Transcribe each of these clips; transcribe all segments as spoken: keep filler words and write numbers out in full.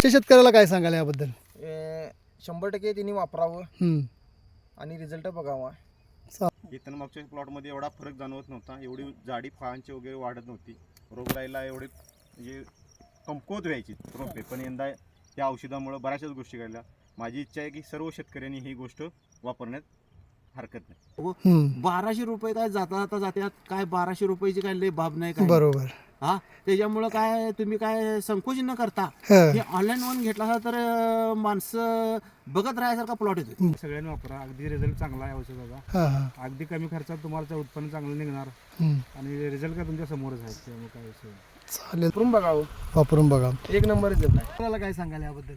शेतकऱ्याला काय सांगाल याबद्दल? शंभर टक्के तिने वापरावं हम्म. आणि रिझल्ट बघावा. इथं मागच्या प्लॉटमध्ये एवढा फरक जाणवत नव्हता, एवढी जाडी फळांची वगैरे वाढत नव्हती, रोगराईला एवढी म्हणजे कमकुवत व्हायची रोपे. पण यंदा या औषधामुळे बऱ्याचशाच गोष्टी घडल्या. माझी इच्छा आहे की सर्व शेतकऱ्यांनी ही गोष्ट वापरण्यात हरकत नाही. हम्म. बाराशे रुपये काय जाता जाता जात्यात, काय बाराशे रुपयाची काय लय बाब नाही काय. बरोबर. हा त्याच्यामुळं काय तुम्ही काय संकोच न करता हं. हे ऑनलाईन वन घेतला असता तर अं, माणसं बघत राहायसारखा प्लॉट येतो. सगळ्यांनी वापरा, अगदी रिझल्ट चांगला आहे औषधाचा. हा हा. अगदी कमी खर्चात तुम्हाला उत्पन्न चांगलं निघणार हम्म. आणि रिझल्ट काय तुमच्या समोरच आहे, त्यामुळे काय विषय नाही. चालेल, वापरून बघावं, वापरून बघा. एक नंबर रिझल्ट आहे. आपल्याला काय सांगाल याबद्दल?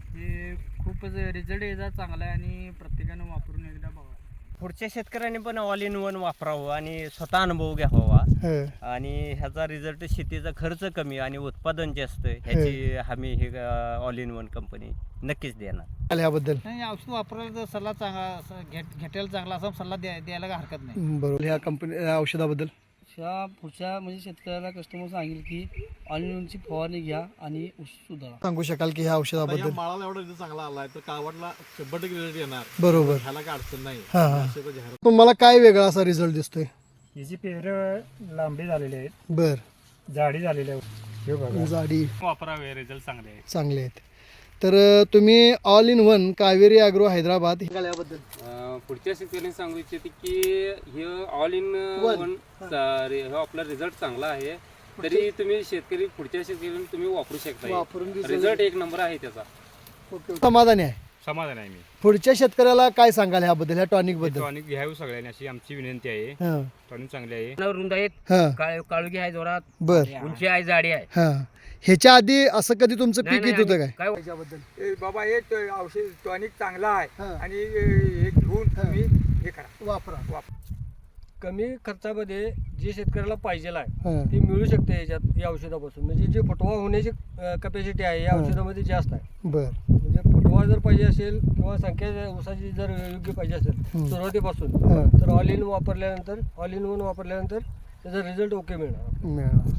हे खूपच रिझल्ट याचा चांगला आहे आणि प्रत्येकानं वापरून एकदा बघा. पुढच्या शेतकऱ्यांनी पण ऑल इन वन वापरावं आणि स्वतः अनुभव घ्यावा. हं. आणि ह्याचा रिझल्ट शेतीचा खर्च कमी आणि उत्पादन जास्त, ह्याची हमी हे ऑल इन वन कंपनी नक्कीच देणार. याबद्दल नाही, औषध वापरायला तर सल्ला चांगला घेट घेटायला चांगला असा सल्ला द्या द्यायला काय हरकत नाही. बरोबर. ह्या कंपनी औषधाबद्दल ह्या पुढच्या म्हणजे शेतकऱ्याला कस्टमर सांगेल की ऑनलाईनची फवारणी घ्या आणि ऊस सुधारा. सांगू शकाल की ह्या औषधाबद्दल? माळाला एवढा रिझल्ट चांगला आलाय तर कावडला शंभर टक्के रिझल्ट येणार. बरोबर. ह्याला काय अडचण नाही. हा हा. तुम्हाला काय वेगळा असा रिझल्ट दिसतोय? हिची पेरं लांबी झालेली आहेत, बर. जाडी झालेली आहे. हे बघा, जाडी वापरावे, रिझल्ट चांगले आहे. चांगले आहेत. तर अं, तुम्ही all in one Kaveri agro Hyderabad याबद्दल पुढच्या शेतकऱ्यांनी सांगू इच्छिते की हे ऑल इन वन हा आपला रिझल्ट चांगला आहे, तरी तुम्ही शेतकरी पुढच्या शेतकऱ्यांनी तुम्ही वापरू शकता. रिझल्ट एक नंबर आहे त्याचा. समाधानी आहे? समाधान आहे मी. पुढच्या शेतकऱ्याला काय सांगाल ह्याबद्दल, ह्या टॉनिक बद्दल? टॉनिक घ्यावी सगळ्यांनी अशी आमची विनंती आहे. हं. टॉनिक चांगली आहे. रुंद आहेत, हं. काळुगी आहे, जोरात बर. उंची आहे, जाडी आहे. हां. ह्याच्या आधी असं कधी तुमचं पीक येत होतं काय? काय ए, बाबा हे ट- औषध टॉनिक चांगला आहे हा. आणि हे घेऊन तुम्ही हे करा, वापरा. कमी खर्चामध्ये जे शेतकऱ्याला पाहिजे आहे हं. ते मिळू शकते याच्यात या औषधापासून. म्हणजे जे फुटवा होण्याची कपॅसिटी आहे या हा. औषधामध्ये जास्त आहे. बर. म्हणजे फुटवा जर पाहिजे असेल किंवा संख्या ऊसाची जर योग्य पाहिजे असेल हं. सुरुवातीपासून, हं. तर ऑल इन वापरल्यानंतर ऑल इन वन वापरल्यानंतर त्याचा रिझल्ट ओके मिळणार. मिळणार.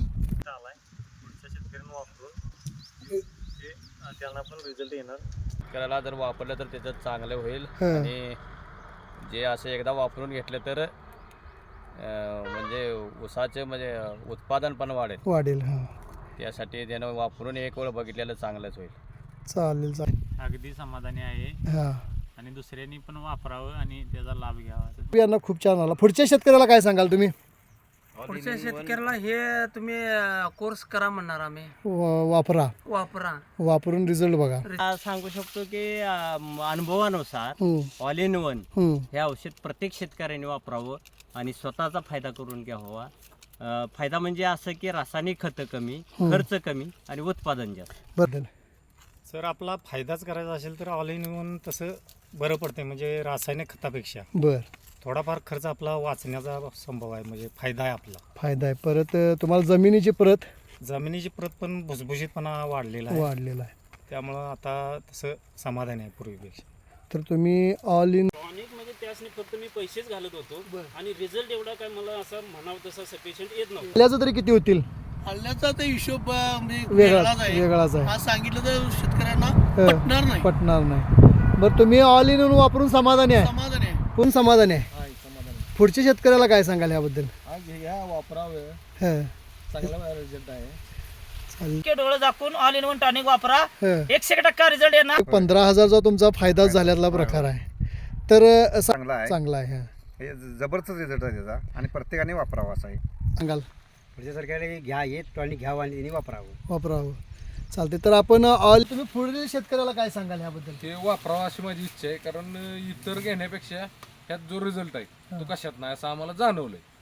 त्यांना पण रिझल्ट येणार. शेतकऱ्याला जर वापरलं तर त्याचं चांगलं होईल. हं. आणि जे असं एकदा वापरून घेतलं तर अं, म्हणजे ऊसाचे म्हणजे उत्पादन पण वाढेल. वाढेल. हां. त्यासाठी त्यानं वापरून एक वेळ बघितलेलं चांगलंच होईल. चालेल चालेल. अगदी समाधानी आहे हां. आणि दुसऱ्यांनी पण वापरावं आणि त्याचा लाभ घ्यावा. यांना खूप छान आला. पुढच्या शेतकऱ्याला काय सांगाल तुम्ही? पुढच्या शेतकऱ्याला हे तुम्ही कोर्स करा म्हणणार आम्ही. वा- वापरा, वापरा, वापरून रिझल्ट बघा. आ, सांगू शकतो की अं, अनुभवानुसार हं. ऑल इन वन हं. हे औषध प्रत्येक शेतकऱ्याने वापरावं आणि स्वतःचा फायदा करून घ्यावा. अं, फायदा म्हणजे असं की रासायनिक खतं कमी, हं. खर्च कमी आणि उत्पादन जास्त. बदल. सर आपला फायदाच करायचा असेल तर ऑल इन वन तसं बरं पडते, म्हणजे रासायनिक खतापेक्षा बर. थोडाफार खर्च आपला वाचण्याचा संभव आहे, म्हणजे फायदा आहे आपला. फायदा आहे. परत अं, तुम्हाला जमिनीची परत जमिनीची प्रत पण भुसभुशीतपणा वाढलेला आहे, वाढलेला आहे. त्यामुळं आता तसं समाधान आहे पूर्वीपेक्षा. तर तुम्ही ऑल इन टॉनिक म्हणजे त्यासनी फक्त मी पैसेच घालत होतो आणि रिझल्ट एवढा काय मला असं म्हणावं तसं सफिशियंट येत नव्हतं. आपल्याचं तरी किती होतील? हल्ल्याचा तर हिशोब म्हणजे वेगळाच वेगळाच आहे. आज सांगितलं तर शेतकऱ्यांना हं. पटणार नाही. पटणार नाही. बरं, तुम्ही ऑल इन वापरून समाधानी आहे? समाधान आहे. कोण समाधानी आहे? हा, समाधान आहे. पुढच्या शेतकऱ्याला काय सांगाल याबद्दल? हा, घ्या, वापरावं, हं. चांगला रिझल्ट आहे. चालेल. डोळे दाखवून ऑल इन वन टॉनिक वापरा, हं. एकशे टक्का रिझल्ट येणार. पंधरा हजारचा तुमचा फायदा झाल्यातला प्रकार आहे. तर अं, सा- चांगला आहे. चांगला आहे. हं. हे जबरदस्त रिझल्ट आहे त्याचा आणि प्रत्येकाने वापरावा असा आहे. सांगाल? पुढच्या सरकारला घ्या, हे टॉनिक घ्यावं आणि त्यांनी वापरावं. वापरावं. चालते. तर आपण ऑल तुम्ही पुढील शेतकऱ्याला काय सांगाल याबद्दल? ते वापरावं अशी माझी इच्छा आहे, कारण इतर घेण्यापेक्षा ह्यात जो रिझल्ट आहे तो कशात नाही असं आम्हाला जाणवलंय.